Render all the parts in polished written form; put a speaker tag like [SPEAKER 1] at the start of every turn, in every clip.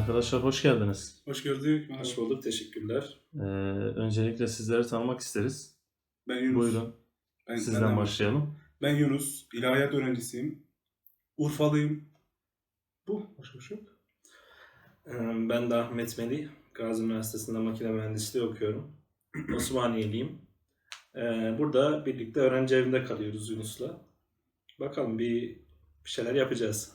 [SPEAKER 1] Arkadaşlar hoş geldiniz.
[SPEAKER 2] Hoş gördük.
[SPEAKER 3] Hoş bulduk, teşekkürler.
[SPEAKER 1] Öncelikle sizleri tanımak isteriz.
[SPEAKER 2] Ben Yunus.
[SPEAKER 1] Buyurun,
[SPEAKER 2] Benden
[SPEAKER 1] sizden başlayalım.
[SPEAKER 2] Ben Yunus. İlahiyat öğrencisiyim. Urfalıyım. Başka bir şey yok.
[SPEAKER 3] Ben de Ahmet Melih. Gazi Üniversitesi'nde makine mühendisliği okuyorum. Osmaniyeliyim. Burada birlikte öğrenci evinde kalıyoruz Yunus'la. Bakalım bir şeyler yapacağız.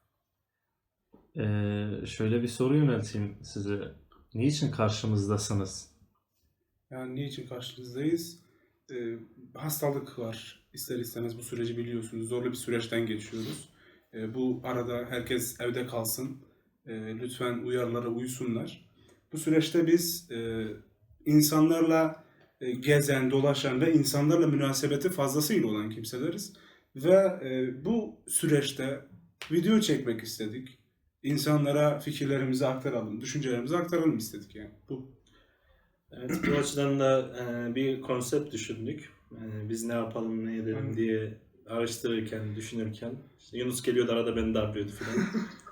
[SPEAKER 1] Şöyle bir soru yönelteyim size. Niçin karşımızdasınız?
[SPEAKER 2] Yani niçin karşınızdayız? Hastalık var. İster istemez bu süreci biliyorsunuz. Zorlu bir süreçten geçiyoruz. Bu arada herkes evde kalsın. Lütfen uyarılara uysunlar. Bu süreçte biz insanlarla gezen, dolaşan ve insanlarla münasebeti fazlasıyla olan kimseleriz. Ve bu süreçte video çekmek istedik. İnsanlara fikirlerimizi aktaralım, düşüncelerimizi aktaralım istedik yani.
[SPEAKER 3] Evet, bu açıdan da bir konsept düşündük. Biz ne yapalım, ne edelim diye araştırırken, düşünürken. İşte Yunus geliyordu arada beni darlıyordu falan.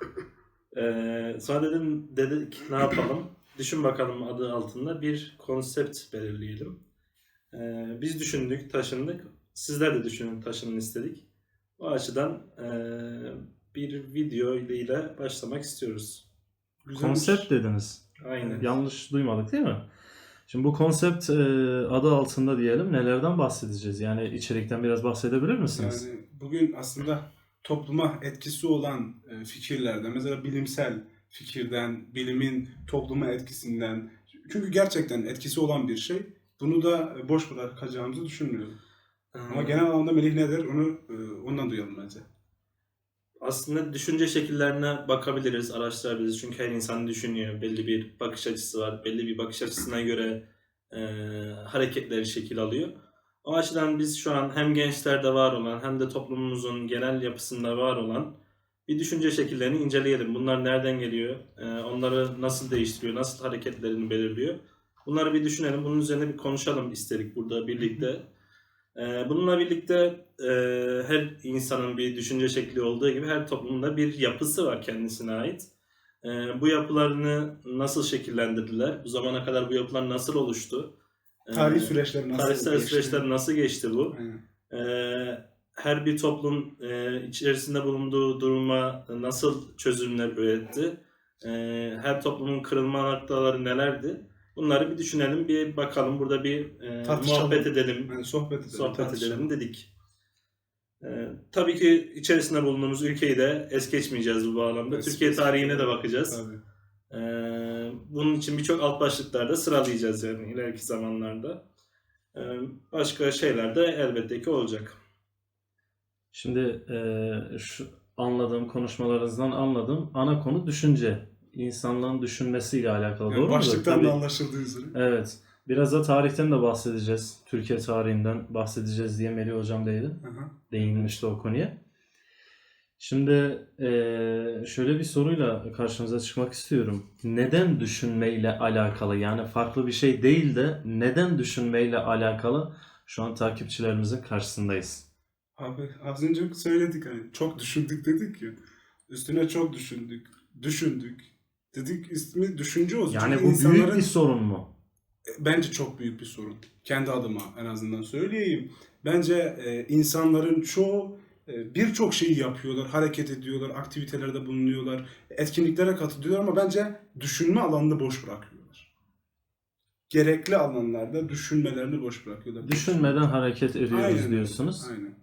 [SPEAKER 3] Sonra dedik ne yapalım? Düşün bakalım adı altında bir konsept belirleyelim. Biz düşündük, taşındık. Sizler de düşünün, taşının istedik. O açıdan bir video ile başlamak istiyoruz.
[SPEAKER 1] Konsept dediniz.
[SPEAKER 3] Aynen.
[SPEAKER 1] Yanlış duymadık değil mi? Şimdi bu konsept adı altında diyelim nelerden bahsedeceğiz? Yani içerikten biraz bahsedebilir misiniz?
[SPEAKER 2] Yani bugün aslında topluma etkisi olan fikirlerden, mesela bilimsel fikirden, bilimin topluma etkisinden, çünkü gerçekten etkisi olan bir şey. Bunu da boş bırakacağımızı düşünmüyorum. Ama genel anlamda Melih nedir onu ondan duyalım bence.
[SPEAKER 3] Aslında düşünce şekillerine bakabiliriz, araştırabiliriz. Çünkü her insan düşünüyor. Belli bir bakış açısı var. Belli bir bakış açısına göre hareketleri şekil alıyor. O açıdan biz şu an hem gençlerde var olan hem de toplumumuzun genel yapısında var olan bir düşünce şekillerini inceleyelim. Bunlar nereden geliyor? Onları nasıl değiştiriyor? Nasıl hareketlerini belirliyor? Bunları bir düşünelim. Bunun üzerine bir konuşalım istedik burada birlikte. Bununla birlikte her insanın bir düşünce şekli olduğu gibi her toplumda bir yapısı var kendisine ait. Bu yapılarını nasıl şekillendirdiler? Bu zamana kadar bu yapılar nasıl oluştu?
[SPEAKER 2] Tarih süreçleri nasıl
[SPEAKER 3] Tarihsel
[SPEAKER 2] geçti?
[SPEAKER 3] süreçler nasıl geçti bu?
[SPEAKER 2] Aynen.
[SPEAKER 3] Her bir toplum içerisinde bulunduğu duruma nasıl çözümler üretti? Her toplumun kırılma noktaları nelerdi? Bunları bir düşünelim, bir bakalım. Burada bir muhabbet edelim,
[SPEAKER 2] Yani sohbet
[SPEAKER 3] edelim dedik. Tabii ki içerisinde bulunduğumuz ülkeyi de es geçmeyeceğiz bu bağlamda. Türkiye tarihine de bakacağız.
[SPEAKER 2] Tabii.
[SPEAKER 3] Bunun için birçok alt başlıklarda sıralayacağız yani ileriki zamanlarda. Başka şeyler de elbette ki olacak.
[SPEAKER 1] Şimdi şu konuşmalarınızdan anladım. Ana konu düşünce. İnsanlığın düşünmesiyle alakalı.
[SPEAKER 2] Yani
[SPEAKER 1] doğru mu?
[SPEAKER 2] başlıktan
[SPEAKER 1] Tabii.
[SPEAKER 2] da anlaşıldığı üzere.
[SPEAKER 1] Evet. Biraz da tarihten de bahsedeceğiz. Türkiye tarihinden bahsedeceğiz diye Melih Hocam değinmişti o konuya. Şimdi şöyle bir soruyla karşınıza çıkmak istiyorum. Neden düşünmeyle alakalı, yani farklı bir şey değil de neden düşünmeyle alakalı şu an takipçilerimizin karşısındayız.
[SPEAKER 2] Abi az önce söyledik hani çok düşündük dedik ya. Üstüne çok düşündük. Dedik ismi düşünce olsun.
[SPEAKER 1] Yani
[SPEAKER 2] Çünkü
[SPEAKER 1] bu büyük
[SPEAKER 2] insanların
[SPEAKER 1] bir sorun mu?
[SPEAKER 2] bence çok büyük bir sorun. Kendi adıma en azından söyleyeyim. Bence insanların çoğu birçok şeyi yapıyorlar, hareket ediyorlar, aktivitelerde bulunuyorlar, etkinliklere katılıyorlar ama bence düşünme alanını boş bırakıyorlar. Gerekli alanlarda düşünmelerini boş bırakıyorlar.
[SPEAKER 1] Düşünmeden hareket ediyoruz
[SPEAKER 2] Aynen öyle,
[SPEAKER 1] diyorsunuz.
[SPEAKER 2] Aynen.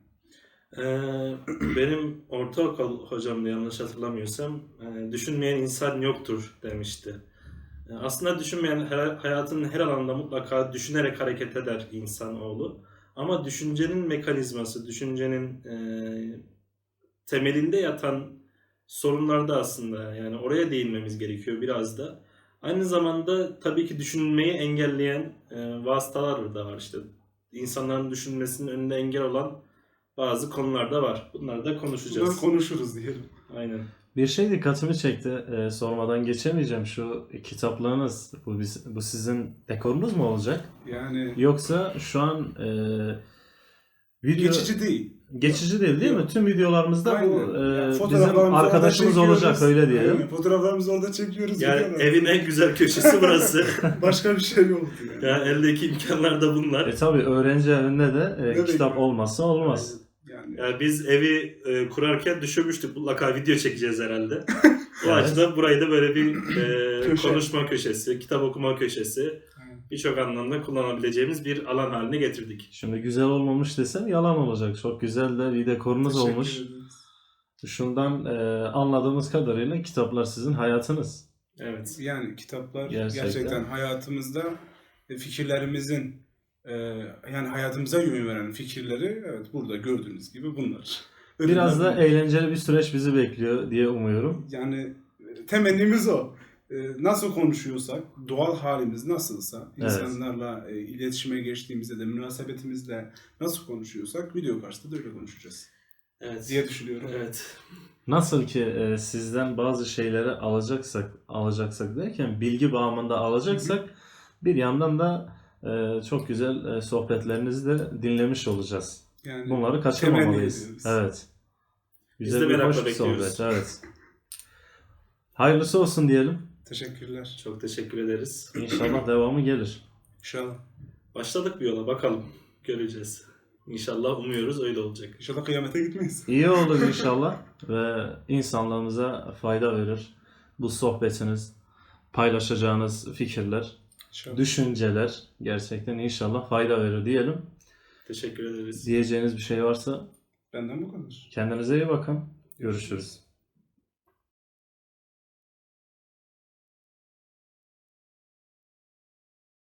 [SPEAKER 3] Benim ortaokul hocam da yanlış hatırlamıyorsam düşünmeyen insan yoktur demişti. Aslında düşünmeyen hayatının her alanında mutlaka düşünerek hareket eder insanoğlu. Ama düşüncenin mekanizması, düşüncenin temelinde yatan sorunlarda aslında yani oraya değinmemiz gerekiyor biraz da. Aynı zamanda tabii ki düşünmeyi engelleyen vasıtalar da var işte. İnsanların düşünmesinin önünde engel olan bazı konular da var. Bunları da konuşacağız.
[SPEAKER 2] Bunları konuşuruz diyelim.
[SPEAKER 3] Aynen.
[SPEAKER 1] Bir şey dikkatimi çekti. Sormadan geçemeyeceğim. Şu kitaplığınız, bu sizin dekorunuz mu olacak?
[SPEAKER 2] Yani
[SPEAKER 1] Yoksa şu an Video
[SPEAKER 2] Geçici değil.
[SPEAKER 1] geçici değil mi? Tüm videolarımızda bu
[SPEAKER 2] Aynen. Yani
[SPEAKER 1] bizim
[SPEAKER 2] fotoğraflarımızı orada
[SPEAKER 1] arkadaşımız olacak
[SPEAKER 2] çekiyoruz.
[SPEAKER 1] öyle diyelim.
[SPEAKER 2] Aynen. Fotoğraflarımızı orada çekiyoruz.
[SPEAKER 3] Yani
[SPEAKER 2] videolar.
[SPEAKER 3] evin en güzel köşesi burası.
[SPEAKER 2] Başka bir şey yoktu yani.
[SPEAKER 3] Yani eldeki imkanlar da bunlar.
[SPEAKER 1] Tabii öğrenci evinde de
[SPEAKER 2] Ne
[SPEAKER 1] kitap
[SPEAKER 2] bekliyor?
[SPEAKER 1] olmazsa olmaz.
[SPEAKER 2] Yani
[SPEAKER 3] Yani biz evi kurarken düşünmüştük mutlaka video çekeceğiz herhalde. O
[SPEAKER 1] Evet.
[SPEAKER 3] açıdan burayı da böyle bir
[SPEAKER 2] Köşe.
[SPEAKER 3] konuşma köşesi, kitap okuma köşesi,
[SPEAKER 2] Aynen.
[SPEAKER 3] birçok anlamda kullanabileceğimiz bir alan haline getirdik.
[SPEAKER 1] Şimdi güzel olmamış desem yalan olacak. Çok güzel de bir dekorunuz
[SPEAKER 2] Teşekkür
[SPEAKER 1] olmuş.
[SPEAKER 2] ederiz.
[SPEAKER 1] Şundan anladığımız kadarıyla kitaplar sizin hayatınız.
[SPEAKER 3] Evet.
[SPEAKER 2] Yani kitaplar
[SPEAKER 1] Gerçekten.
[SPEAKER 2] gerçekten hayatımızda fikirlerimizin yani hayatımıza yön veren fikirleri evet burada gördüğünüz gibi bunlar.
[SPEAKER 1] Biraz da
[SPEAKER 2] Ödüller bunlar.
[SPEAKER 1] eğlenceli bir süreç bizi bekliyor diye umuyorum.
[SPEAKER 2] Yani temennimiz o. Nasıl konuşuyorsak, doğal halimiz nasılsa,
[SPEAKER 1] Evet.
[SPEAKER 2] insanlarla iletişime geçtiğimizde de münasebetimizle nasıl konuşuyorsak video karşısında da öyle konuşacağız
[SPEAKER 3] Evet.
[SPEAKER 2] diye düşünüyorum.
[SPEAKER 3] Evet.
[SPEAKER 1] Nasıl ki sizden bazı şeyleri alacaksak derken bilgi bağımında alacaksak bir yandan da çok güzel sohbetlerinizi de dinlemiş olacağız.
[SPEAKER 2] Yani
[SPEAKER 1] Bunları
[SPEAKER 2] temenni
[SPEAKER 1] kaçırmamalıyız.
[SPEAKER 2] ediyoruz.
[SPEAKER 1] Evet.
[SPEAKER 3] Biz
[SPEAKER 1] Güzel
[SPEAKER 3] de
[SPEAKER 1] bir
[SPEAKER 3] merakla
[SPEAKER 1] hoş bir
[SPEAKER 3] bekliyoruz.
[SPEAKER 1] sohbet. Evet. Hayırlısı olsun diyelim.
[SPEAKER 2] Teşekkürler.
[SPEAKER 3] Çok teşekkür ederiz.
[SPEAKER 1] İnşallah devamı gelir.
[SPEAKER 2] İnşallah.
[SPEAKER 3] Başladık bir yola, bakalım. Göreceğiz. İnşallah umuyoruz öyle olacak.
[SPEAKER 2] İnşallah kıyamete gitmeyiz.
[SPEAKER 1] İyi olur inşallah ve insanlığımıza fayda verir. Bu sohbetiniz, paylaşacağınız fikirler,
[SPEAKER 2] İnşallah.
[SPEAKER 1] düşünceler gerçekten inşallah fayda verir diyelim.
[SPEAKER 3] Teşekkür ederiz.
[SPEAKER 1] Diyeceğiniz bir şey varsa
[SPEAKER 2] Benden bu kadar.
[SPEAKER 1] kendinize iyi bakın. Görüşürüz.